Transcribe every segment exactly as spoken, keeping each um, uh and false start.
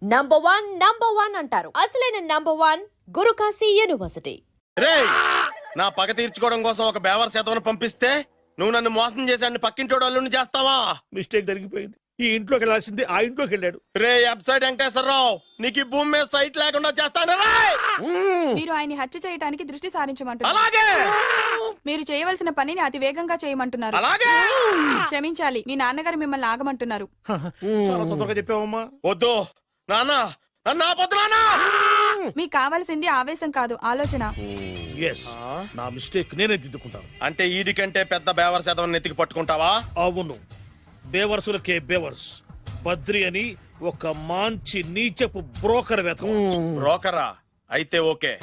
Number one number one అంటారు. అసలైన number one Guru Kashi university. రేయ్, నా పగ తీర్చుకోవడం కోసం ఒక బేవర్ శాతం పంపిస్తే నువ్వు నన్ను మోసం చేశాన్ని పక్కింటోడు అల్లుని చేస్తావా? మిస్టేక్ జరిగిపోయింది. ఈ ఇంట్లోకి వెళ్ళాల్సింది ఆ ఇంట్లోకి వెళ్ళాడు. రే వెబ్సైట్ వెంకటేశ్వరరావు, నీకు ఈ భూమి మీద సైట్ లేకుండా చేస్తాను. మీరు ఆయన్ని హత్య చేయడానికి దృష్టి సారించమంటున్నారు. అలాగే మీరు చేయవలసిన పనిని అతి వేగంగా చేయమంటున్నారు. అలాగే క్షమించాలి, మీ నాన్నగారు మిమ్మల్ని ఆగమంటున్నారు. చాలా తొందరగా చెప్పావమ్మా. వద్దు నాన్న, నన్ను ఆపొద్దు నాన్న. మీకు కావాల్సింది ఆవేశం కాదు, ఆలోచన. ఎస్, నా మిస్టేక్ నేనే దిద్దుకుంటాను. అంటే ఈడి కంటే పెద్ద బేవర్ శాతం నెత్తికి పట్టుకుంటావా? అవును, బేవర్సులకే బేవర్స్. బద్రి అని ఒక మంచి నీచపు బ్రోకర్ వెతకం. బ్రోకరా? అయితే ఓకే.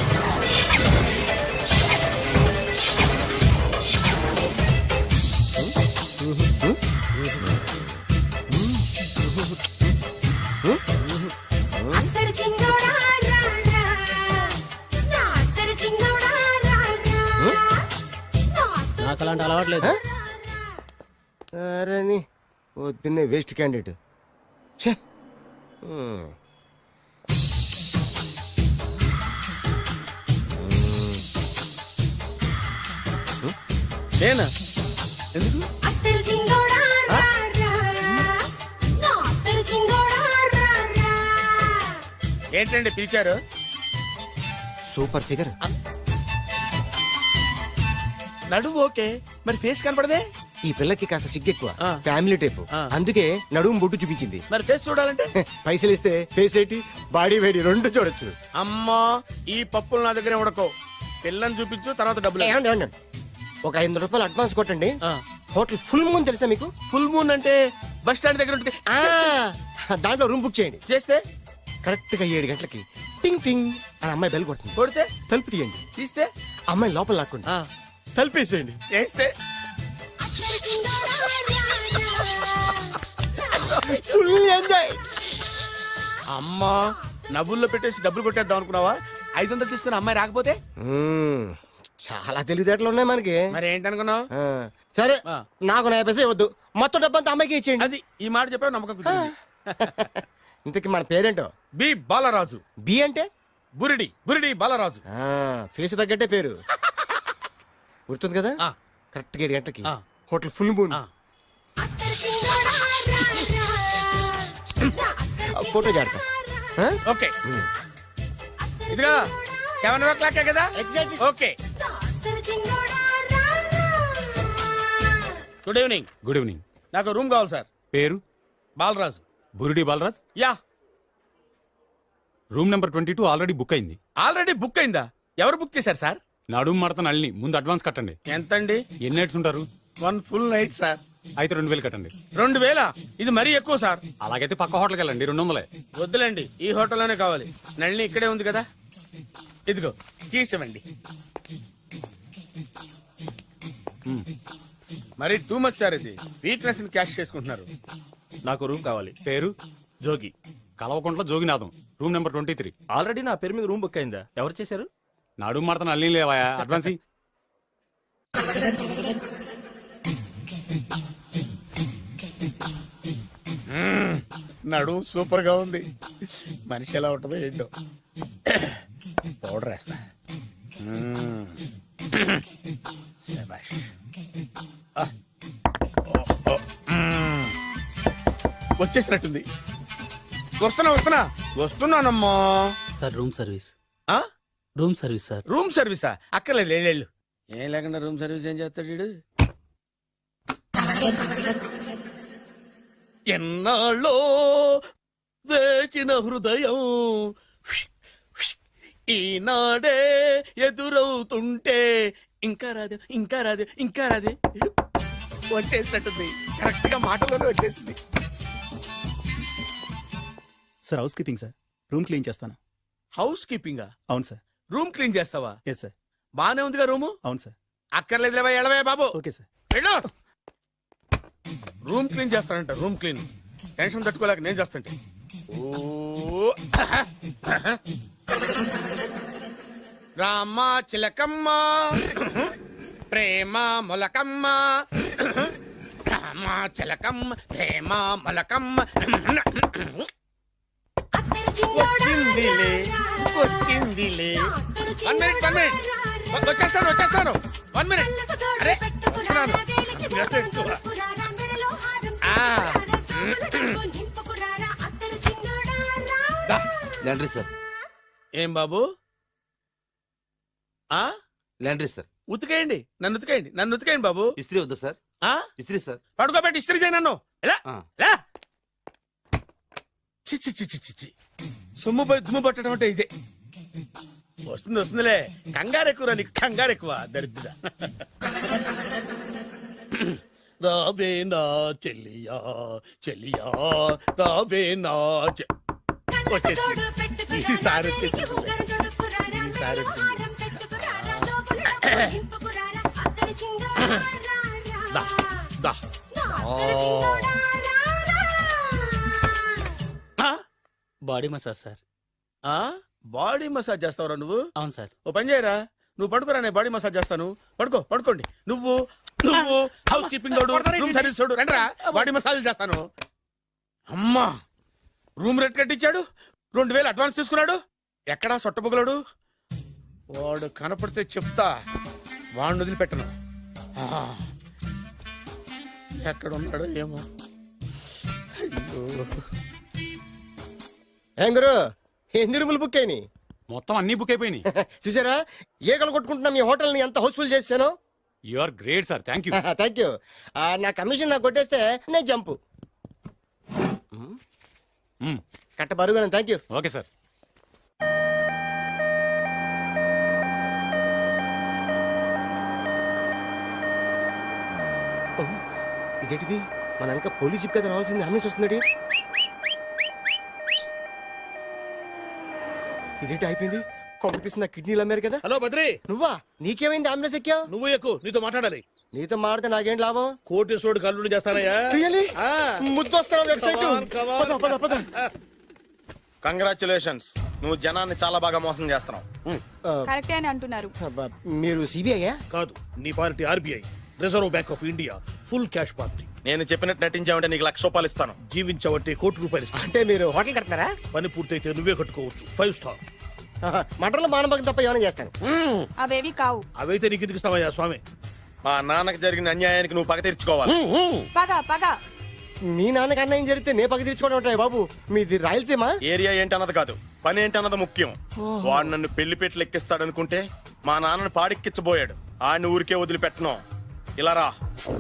నాకు అలాంటి అలవాట్లేదు. అరే పొద్దున్నే వేస్ట్ క్యాండిడేట్. నేనా? ఎందుకు? ఏంటండి పిలిచారు? Super figure. నడువు ఓకే, మరి ఫేస్ కనపడదే. ఈ పిల్లకి కాస్త సిగ్గెక్కువ, ఆ. Family type. ఆ. అందుకే నడుము బొట్టు చూపించింది. మరి ఫేస్ చూడాలంటే పైసలు ఇస్తే ఫేస్ ఏంటి, బాడీ వేడి రెండు చూడొచ్చు. అమ్మా, ఈ పప్పులు నా దగ్గర ఉడకో. పిల్లని చూపించు, తర్వాత డబ్బులు. ఏమండి, ఏమండి, ఒక ఐదు వందల రూపాయలు అడ్వాన్స్ కొట్టండి. ఆ. హోటల్ ఫుల్ మూన్ తెలుసా మీకు? ఫుల్ మూన్ అంటే బస్ స్టాండ్ దగ్గర ఉంటుంది. ఆ, దాంట్లో రూమ్ బుక్ చేయండి. చేస్తే కరెక్ట్ గా ఏడు గంటలకి టింగ్ టింగ్ అని అమ్మాయి బెల్ కొడుతుంది. కొడితే తలుపు తీయండి. తీస్తే అమ్మాయి లోపల లాక్కుండి ఆ, తలుపేసేయండి. చేస్తే ఫుల్ ఎంజాయ్. అమ్మా, నవ్వుల్లో పెట్టేసి డబ్బులు కొట్టేద్దాం అనుకున్నావా? ఐదు వందలు తీసుకుని అమ్మాయి రాకపోతే? మ్మ్. చాలా తెలివితేటలు ఉన్నాయి మనకి. మరి ఏంటనుకున్నావు? ఆ, సరే, ఆ. నాకు నా పైసే వద్దు, మొత్తం డబ్బంతా అమ్మాయికి ఇచ్చేయండి. అది ఈ మాట చెప్పావు, నమ్మకం కుదిరింది. ఇంతకి మన పేరేంటో? బి బాలరాజు. బి అంటే బురిడి బురిడి బాలరాజు. ఆ, ఫేస్ తగ్గట్టే పేరు. గుర్తుంది కదా? ఆ. కరెక్ట్ గా ఏడు గంటలకి ఆ. Hotel full moon. ఆ. ఫోటో జాడతా. ఓకే, ఇదిగా సెవెన్ ఓ క్లాక్ కదా? Exactly. Okay. Good evening. Good evening. నాకు రూమ్ కావాలి సార్. పేరు? Balaraju. Burudi Balaraj. Yeah. Room number twenty two already book అయింది. ఆల్రెడీ బుక్ అయిందా? ఎవరు బుక్ చేశారు సార్? నడుము మడత నల్ని ముందు అడ్వాన్స్ కట్టండి. ఎంతండి? ఎన్ని నైట్స్ ఉంటారు? One full night sir. అయితే రెండు వేలు కట్టండి. రెండు వేల? ఇది మరీ ఎక్కువ సార్. అలాగైతే పక్క హోటల్కి వెళ్ళండి, రెండు వందలే. వద్దులేండి, ఈ హోటల్లోనే కావాలి. నళిని ఇక్కడే ఉంది కదా. ఇదిగో కీస్ ఇవ్వండి. మరి టూ మచ్ సార్, ఇది వీక్నెస్ ని క్యాష్ చేసుకుంటున్నారు. నాకు రూమ్ కావాలి. పేరు? Jogi. Kalavakuntla Joginatham. Room number twenty three. Already నా పేరు మీద రూమ్ బుక్ అయిందా? ఎవరు చేశారు? నడుము మడత నల్లి లేవా? అడ్వాన్స్ ఇ- నడు సూపర్ గా ఉంది. మనిషి ఎలా ఉంటుందో ఏంటో. పౌడర్ వేస్తా. మ్మ్. శభాష్. ఆ. ఓ, ఓ. మ్మ్. వచ్చేసినట్టుంది. వస్తున్నా వస్తున్నా వస్తున్నానమ్మా. Sir room service. ఆ? Room service sir. రూమ్ సర్వీసా? అక్కర్లేదు, లేళ్ళు. ఏం లేకుండా రూమ్ సర్వీస్ ఏం చేస్తాడు వీడు? ఎన్నాళ్ళో వేచిన హృదయం ఈనాడే ఎదురవుతుంటే ఇంకా రాదు ఇంకా రాదు ఇంకా రాదు వచ్చేసినట్టుంది. కరెక్ట్ గా మాటలోనే వచ్చేసింది. Sir housekeeping sir. Room clean చేస్తాను. హౌస్ కీపింగా? అవును సార్. రూమ్ క్లీన్ చేస్తావా? Yes sir. బానే ఉందిగా రూము? అవును సార్. అక్కర్లేదు లేవా, ఎడవే బాబు. Okay sir. వెళ్ళు. రూమ్ క్లీన్ చేస్తానంట. రూమ్ క్లీన్ టెన్షన్ తట్టుకోలేక నేను చేస్తాంటే. ఓ రామ చిలకమ్మ ప్రేమ మొలకమ్మ, రామ చిలకమ్మ ప్రేమ మొలకమ్మ. వచ్చిందిలే వచ్చిందిలే వన్ మినిట్ వన్ మినిట్ వచ్చేస్తాను వచ్చేస్తాను వన్ మినిట్ అరే వస్తున్నాను గట్టు ఎక్కువ. ఆ. దా. లాండ్రీ సార్ ఏం బాబు ఆ లాండ్రీ సార్ ఉతికేయండి నన్ను ఉతికేయండి నన్ను ఉతికేయండి బాబు ఇస్త్రీ వద్దా సార్ ఆ ఇస్త్రీ సార్ పడుకోబెట్టి ఇస్త్రీ చేయి నన్ను ఎలా ఆ. ఎలా చిచ్చి చిచ్చి చిచ్చి సొమ్ము పోయి దుమ్ము పట్టడం అంటే ఇదే వస్తుంది వస్తుందిలే కంగారు ఎక్కువ నీకు కంగారు ఎక్కువ దరిద్ర రావే నా చెల్లియా చెల్లియా రావే నా చె- వచ్చేసింది ఈసారి వచ్చేసింది ఈసారి వచ్చింది దా దా ఆ. Body massage sir. ఆ బాడీ మసాజ్ చేస్తావురా నువ్వు అవును సార్. ఓ పని చేయరా నువ్వు పడుకోరా నేను బాడీ మసాజ్ చేస్తాను పడుకో పడుకోండి నువ్వు నువ్వు హౌస్ కీపింగ్ తోడు రూమ్ సర్వీస్ తోడు రండిరా బాడీ మసాజ్ చేస్తాను అమ్మా రూమ్ రేట్ కట్టించాడు రెండు వేలు అడ్వాన్స్ తీసుకున్నాడు ఎక్కడా సొట్టబుగలాడు వాడు కనపడితే చెప్తా వాడిని వదిలిపెట్టను ఆ. ఎక్కడ ఉన్నాడో ఏమో అయ్యో ఏం గురు ఎన్ని రూములు బుక్ అయినాయి మొత్తం అన్ని బుక్ అయిపోయినాయి. చూసారా ఈగలు కొట్టుకుంటున్నా మీ హోటల్ ని ఎంత హౌస్ఫుల్ చేశాను you are great sir, thank you. Thank you నా కమిషన్ నాకు కొట్టేస్తే నేను జంపు కట్ట బరువు థ్యాంక్ యూ ఓకే సార్. ఇదేంటిది మన వెనక పోలీస్ జిప్ కదా రావాల్సింది ఆమె వస్తుంది ఇదేంటి అయిపోయింది కాంపిటీషన్ నా కిడ్నీలు అమ్మారు కదా హలో బద్రి, నువ్వా నీకేమైంది అంబులెన్స్ ఎక్కావు నువ్వు ఎక్కువ నీతో మాట్లాడాలి. నీతో మాడితే నాకేం లాభం కోటేశ్వరుడు కల్లుడు చేస్తానయ్యా. రియలీ ఆ. ముద్దొస్తారా website Come on, come on. పద పద పద కంగ్రాచులేషన్స్ నువ్వు జనాన్ని చాలా బాగా మోసం చేస్తున్నావు కరెక్టే అని అంటున్నారు. అబ్బా, మీరు సిబిఐయా కాదు, నీ party RBI, reserve bank of India, full cash party. నేను చెప్పినట్టు నటించావంటే నీకు లక్ష రూపాయలు ఇస్తాను జీవించవంటే కోటి రూపాయలు ఇస్తాను. అంటే మీరు హోటల్ కడతారా పని పూర్తయితే నువ్వే కట్టుకోవచ్చు, ఫైవ్ స్టార్. మటన్లో మానభంగం తప్ప ఏమైనా చేస్తాను అవేవి కావు. అవైతే నీకు ఎందుకు ఇస్తావయ్యా స్వామి? మా నాన్నకి జరిగిన అన్యాయానికి నువ్వు పగ తీర్చుకోవాలి పగ పగ మీ నాన్నకి అన్యాయం జరిగితే నే పక్క తీర్చుకోవడం ఉంటాయి బాబు మీది రాయలసీమ ఏరియా ఏంటి అన్నది కాదు పని ఏంటి అన్నది ముఖ్యం వాడు నన్ను పెళ్లి పెట్లు ఎక్కిస్తాడు అనుకుంటే మా నాన్నను పాడిక్కిచ్చబోయాడు ఆడిని ఊరికే వదిలిపెట్టను ఇలా రా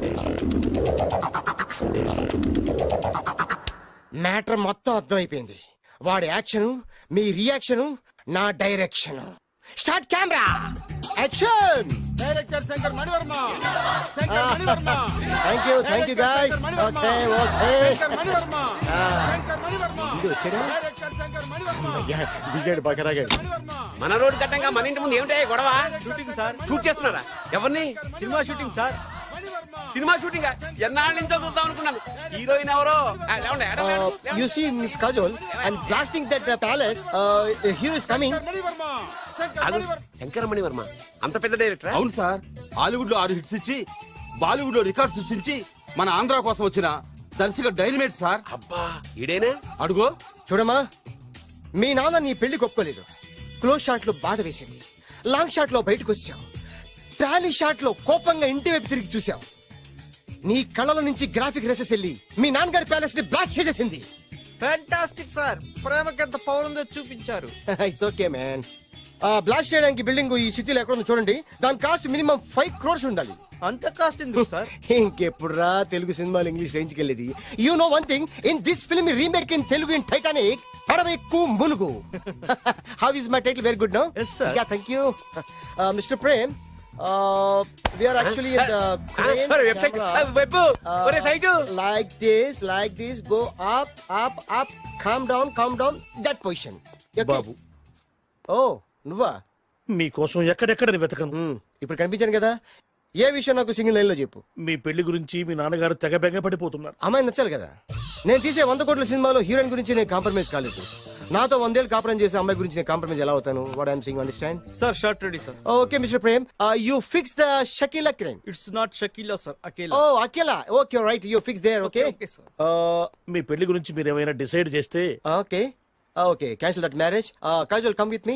మ్యాటర్ మొత్తం అర్థమైపోయింది వాడి యాక్షన్ మీ రియాక్షన్ నా direction start camera action director Shankar Manivarma Shankar Manivarma thank you thank you guys okay okay Shankar Manivarma Shankar Manivarma ఇది వచ్చాడు డైరెక్టర్ శంకర్ మణివర్మ దిగాడు బకరాగాడు మన రోడ్డు కట్టంగా మన ఇంటి ముందు ఏమిటాయి గొడవ? Shooting sir. షూట్ చేస్తున్నారా? ఎవరిని? Cinema shooting sir. Cinema shooting ఎన్నాళ్ళ నుంచో చూద్దాం అనుకున్నాను. హీరోయిన్ ఎవరో? ఆ, లేవండి, ఎడమ, ఎడమ, లేవండి. You see miss Kajol and blasting that palace hero is coming ఆగు, శంకరమణి వర్మ అంత పెద్ద డైరెక్టర్? అవును సార్, హాలీవుడ్ లో ఆరు హిట్స్ ఇచ్చి బాలీవుడ్ లో రికార్డ్ సృష్టించి మన ఆంధ్ర కోసం వచ్చిన దర్శక డైనమేట్ సార్. అబ్బా, ఈడేనా? అడుగో చూడమ్మా మీ నాన్న నీ పెళ్లి ఒప్పుకోలేదు క్లోజ్ షాట్ లో బాధ వేసింది లాంగ్ షాట్ లో బయటకు వచ్చావు ట్రాలీ షాట్ లో కోపంగా ఇంటి వైపు తిరిగి చూసావు నీ కళ్ళల నుంచి గ్రాఫిక్ రెసెస్ వెళ్ళి మీ నాన్నగారి ప్యాలెస్ ని బ్లాస్ట్ చేసేసింది ఫ్యాంటాస్టిక్ సార్, ప్రేమకి ఎంత పవర్ ఉందో చూపించారు. ఇట్స్ ఓకే మ్యాన్ బ్లాస్ట్ చేయడానికి బిల్డింగ్ ఈ సిటీలో ఎక్కడ ఉందో చూడండి దాని కాస్ట్ మినిమం ఫైవ్ క్రోర్స్ ఉండాలి అంత కాస్ట్ ఎందుకు సార్? ఇంకెప్పుడు రా తెలుగు సినిమాలు ఇంగ్లీష్ రేంజ్ కి వెళ్ళేది you know one thing in this film remake in Telugu in Titanic పడవెక్కు మునుగు how is my title very good no Yes, sir. Yeah thank you mister Prem we are actually in the website web ఒరే site like this like this go up up up come down come down that position బాబు, ఓ నువ్వా మీకోసం ఎక్కడెక్కడ వెతకను. Hmm, ఇప్పుడు కనిపించాను కదా ఏ విషయం నాకు సింగిల్ లైన్ లో చెప్పు మీ పెళ్లి గురించి మీ నాన్నగారు తెగ బెగ పడిపోతున్నారు. అమ్మాయి నచ్చాలి కదా నేను తీసే వంద కోట్ల సినిమాలో హీరోయిన్ గురించి నేను కాంప్రమైజ్ కాలేదు నాతో వందేళ్ళు కాపురం చేసే అమ్మాయి గురించి నేను కాంప్రమైజ్ ఎలా అవుతాను what I'm saying understand sir shot ready sir. Okay mister Prem you fix the Shakeela crime it's not Shakeela sir, Akela. Oh Akela okay right you fix there okay Okay, sir. మీ పెళ్లి గురించి మీరు ఏమైనా డిసైడ్ చేస్తే okay okay cancel that marriage casual come with me.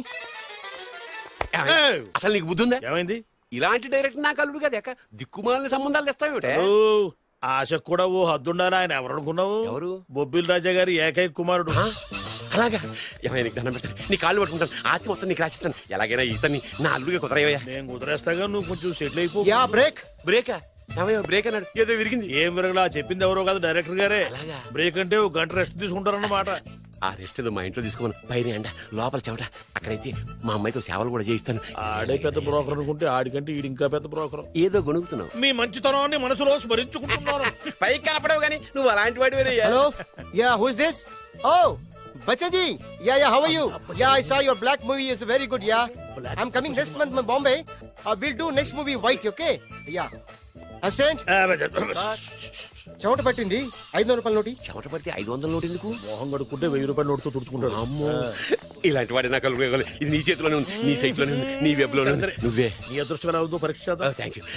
అసలు నీకు బుద్ధి ఉందా? ఏమైంది? ఇలాంటి డైరెక్టర్ నాకు అల్లుడు కదా ఎక్క దిక్కుమాలిన సంబంధాలు తెస్తావేమిటే? ఓ, ఆశకు కూడా ఓ హద్దుండాలి. ఆయన ఎవరు అనుకున్నావు? ఎవరు? బొబ్బిల్ రాజా గారి ఏకైక కుమారుడు. ఆ? అలాగా? ఏమైనా నీకు దండం పెడతాను, నీ కాళ్ళు పట్టుకుంటాను, ఆస్తి మొత్తం నీకు రాసిస్తాను. ఎలాగైనా ఇతన్ని నా అల్లుడిగా కుదరయ్యా. నేను కుదిరేస్తాగా, నువ్వు కొంచెం సెటిల్ అయిపో. Yeah break. బ్రేకా? ఏమయ్యో బ్రేక్ అన్నాడు, ఏదో విరిగింది. ఏం విరగలా, చెప్పింది ఎవరో కాదు, డైరెక్టర్ గారే. అలాగా? బ్రేక్ అంటే ఒక గంట రెస్ట్ తీసుకుంటారన్నమాట. ఆ రెస్ట్ ఏదో మా ఇంట్లో తీసుకోమను. పైన ఎండ, లోపల చెమట. అక్కడైతే మా అమ్మాయితో సేవలు కూడా చేయిస్తాను. ఆడే పెద్ద బ్రోకర్ అనుకుంటే ఆడికంటే ఈడు ఇంకా పెద్ద బ్రోకర్. ఏదో గొణుగుతున్నావు. మీ మంచితనాన్ని మనసులో స్మరించుకుంటున్నాను. పైకి కనపడవు కానీ నువ్వు అలాంటి వాడి. Hello yeah who is this? Oh Bachchaji. Yeah yeah how are you? Yeah I saw your black movie is very good. Yeah I am coming next month to Bombay. Will do next movie white. Okay yeah assistant. చెమట పట్టింది. ఐదు వందల రూపాయల నోటి. చెమట పడితే ఐదు వందల నోటు ఎందుకు? మోహం కడుక్కుంటే వెయ్యి రూపాయల నోటుతో తుడుచుకుంటాడు. అమ్మో, ఇలాంటి వాడి నాకు అల్లుడు కావాలి. ఇది నీ చేతిలోనే ఉంది, నీ సైట్ లోనే ఉంది, నీ వెబ్ లోనే ఉంది. నువ్వే. నీ అదృష్టం ఎలా ఉందో పరీక్ష చేద్దాం. Thank you.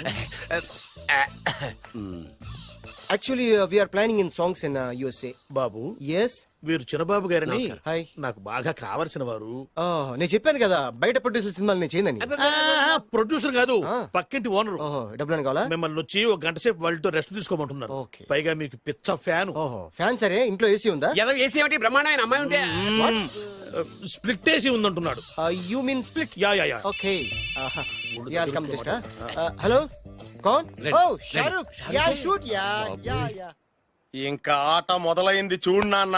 Actually we are planning in songs in USA. బాబు, ఎస్. వీరు చిన్నబాబు గారని హాయ్. నాకు బాగా కావలసిన వారు. నేను చెప్పాను కదా బయట ప్రొడ్యూసర్ సినిమాలు నేను చేయదని. ప్రొడ్యూసర్ కాదు, ఆ. పక్కింటి ఓనర్. ఓహో డబ్బులు కావాలా? మిమ్మల్ని వచ్చి ఒక గంట సేపు వాళ్ళతో రెస్ట్ తీసుకోమంటున్నారు. ఓకే. పైగా మీకు పిచ్చ ఫ్యాన్. ఓహో ఫ్యాన్ సరే. ఇంట్లో ఏసీ ఉందా? ఏదో వేసి ఏమిటి బ్రహ్మాండమైన అమ్మాయి ఉంటే స్ప్లిట్ ఏసీ ఉందంటున్నాడు. You mean split? Yeah yeah yeah. Okay yeah come just. Hello కౌన్? Oh Shahrukh. Yeah shoot. Yeah yeah yeah. ఇంకా ఆట మొదలైంది చూడు నాన్న.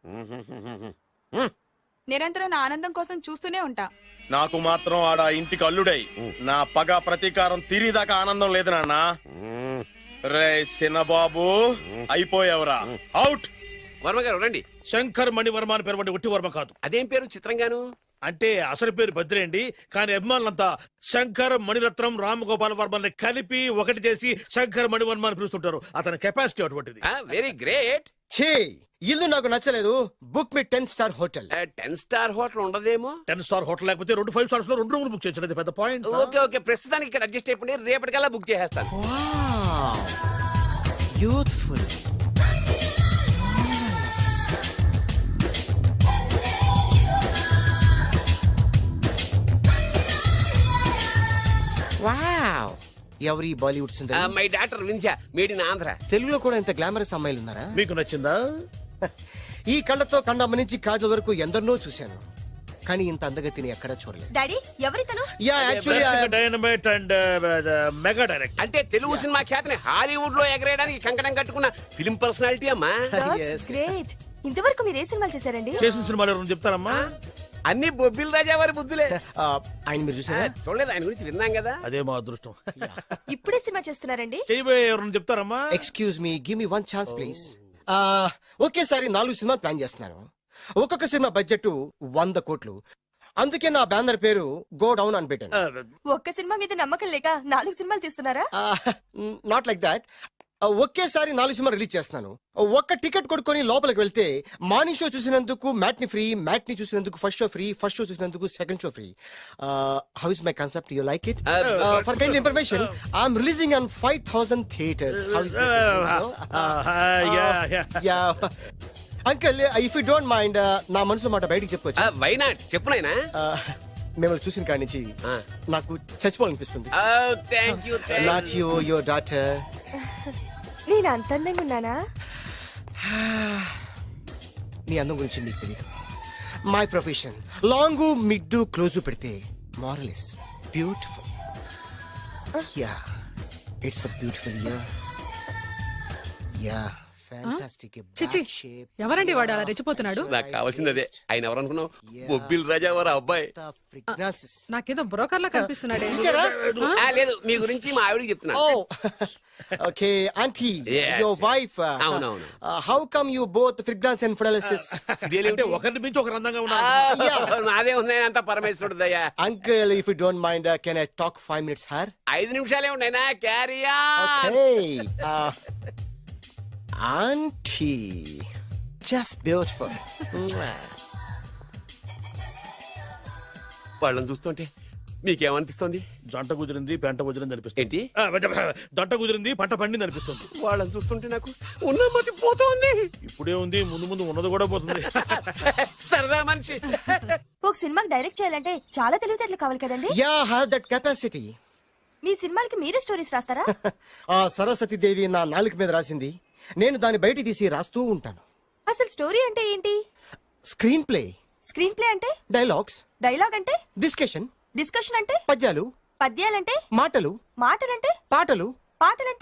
నిరంతరం నా ఆనందం కోసం చూస్తూనే ఉంటా. నాకు మాత్రం ఆడ ఇంటికి అల్లుడై నా పగ ప్రతీకారం తీరిదాకా ఆనందం లేదు నాన్న. రే సిన్నబాబు అయిపోయావురా, అవుట్. వర్మ గారు రండి. శంకర్ మణివర్మ అని పేరు ఒట్టి వర్మ కాదు. అదేం పేరు చిత్రంగాను? అంటే అసలు పేరు బద్రేండి, కానీ అభిమానులంతా శంకర్ మణిరత్నం రామగోపాల్ వర్మని కలిపి ఒకటి చేసి శంకర్ మణివర్మ అని పిలుస్తుంటారు. అతని కెపాసిటీ అటువంటిది. Very great. ఛీ ఇల్లు నాకు నచ్చలేదు. Book me ten star hotel. Ten star hotel ఉండదేమో. టెన్ స్టార్ హోటల్ లేకపోతే రెండు ఫైవ్ స్టార్స్ లో రెండు రూములు బుక్ చేయొచ్చు. పెద్ద పాయింట్. ఓకే ఓకే, ప్రస్తుతానికి ఇక్కడ అడ్జస్ట్ అయిపోయి రేపటికల్లా బుక్ చేసేస్తాను. యూత్ఫుల్. వావ్. ఎవరి బాలీవుడ్ సుందరి? మై డాక్టర్ విన్సా, మేడ్ ఇన్ ఆంధ్ర. తెలుగులో కూడా ఇంత గ్లామరస్ అమ్మాయిలు ఉన్నారా? మీకు నచ్చిందా? ఈ కళ్ళతో కండమ్మ నుంచి కాజల్ వరకు ఎందరినో చూశాను, కానీ ఇంత అందగతిని ఎక్కడా చూడలేదు. డాడీ ఎవరితను? Yeah actually dynamite and mega direct. అంటే తెలుగు సినిమా ఖ్యాతిని హాలీవుడ్ లో ఎగరేయడానికి కంకణం కట్టుకున్న ఫిల్మ్ పర్సనాలిటీ అమ్మా. గ్రేట్. ఇంతవరకు మీరు ఏ సినిమాలు చేశారండి? చేసిన సినిమాలు ఎవరు చెప్తారమ్మా? అన్ని బొబ్బిల్ రాజా వారి బుద్ధులే. ఆయన మీరు చూసారా? చూడలేదు, ఆయన గురించి విన్నాం కదా. అదే మా అదృష్టం. ఇప్పుడే సినిమా చేస్తున్నారండి? చేయబోయే ఎవరు చెప్తారమ్మా? Excuse me, give me one chance please. ఒకేసారి నాలుగు సినిమా ప్లాన్ చేస్తున్నాను. ఒక్కొక్క సినిమా బడ్జెట్ వంద కోట్లు. అందుకే నా బ్యానర్ పేరు గో డౌన్ అని పెట్టాను. ఒక్క సినిమా మీద నమ్మకం లేక నాలుగు సినిమాలు తీస్తున్నారా? Not like that. ఒకేసారి నాలుగు సినిమా రిలీజ్ చేస్తున్నాను. ఒక్క టికెట్ కొనుక్కొని లోపలికి వెళ్తే మార్నింగ్ షో చూసినందుకు మ్యాట్ని ఫ్రీ, మ్యాట్ని చూసినందుకు first show free, first show చూసినందుకు second show free. How is my concept? You like it? For kind information, I'm releasing on five thousand theatres. How is yeah uncle, if you don't mind నా మనసులో మాట బయటికి చెప్పుకోవచ్చు? Why not, చెప్పు నాయనా. మిమ్మల్ని చూసిన కాడి నుంచి నాకు చచ్చిపోవాలనిపిస్తుంది. Thank you. Not you, your daughter. నేను అంత అందంగా ఉన్నానా? నీ అందం గురించి నీకు తెలియదు. My profession long mid close పెడితే moral is beautiful. Yeah it's a beautiful year. Yeah fantastic. చిచి, ఎవరండి వాడు అలా రెచ్చిపోతున్నాడు? నాకు కావాల్సింది అదే. ఆయన ఎవరు అనుకున్నావు? బొబ్బిల్ రాజా వారు అబ్బాయి. నాకేదో బ్రోకర్ లా కనిపిస్తున్నాడే. ఆ, లేదు, మీ గురించి మా ఆవిడకి చెప్తున్నా. Okay aunty, Yes, your wife. అవునవును. How come you both fragrance and fidelities? అంటే ఒకరిని మించి ఒకరు అందంగా ఉన్నారు. నాదే ఉన్నాయి అంత పరమేశ్వరుడు దయ్యా. Uncle, if you don't mind, can I talk five minutes her? ఐదు నిమిషాలే ఉన్నాయినా, క్యారియా. Auntie, just beautiful. వాళ్ళని చూస్తుంటే మీకేమనిపిస్తుంది? జంట కుదిరింది, పెంట కుదిరింది అనిపిస్తుంది. ఏంటి? జంట కుదిరింది, పంట పండింది అనిపిస్తుంది. వాళ్ళని చూస్తుంటే నాకు ఉన్న మతి పోతుంది. ఇప్పుడే ఉంది, ముందు ముందు ఉన్నది కూడా పోతుంది. సరదా మనిషి. ఒక సినిమాకి డైరెక్ట్ చేయాలంటే చాలా తెలివితేటలు కావాలి కదండి. Yeah have that capacity. మీ సినిమాలకి మీరే స్టోరీస్ రాస్తారా? ఆ సరస్వతి దేవి నా నాలుక మీద రాసింది, నేను దాన్ని బయట తీసి రాస్తూ ఉంటాను. అసలు స్టోరీ అంటే ఏంటి? స్క్రీన్ ప్లే, స్క్రీన్ ప్లే అంటే? డైలాగ్స్, డైలాగ్ అంటే? డిస్కషన్, డిస్కషన్ అంటే? పద్యాలు, పద్యాలంటే? మాటలు, మాటలంటే? పాటలు, పాటలంటే?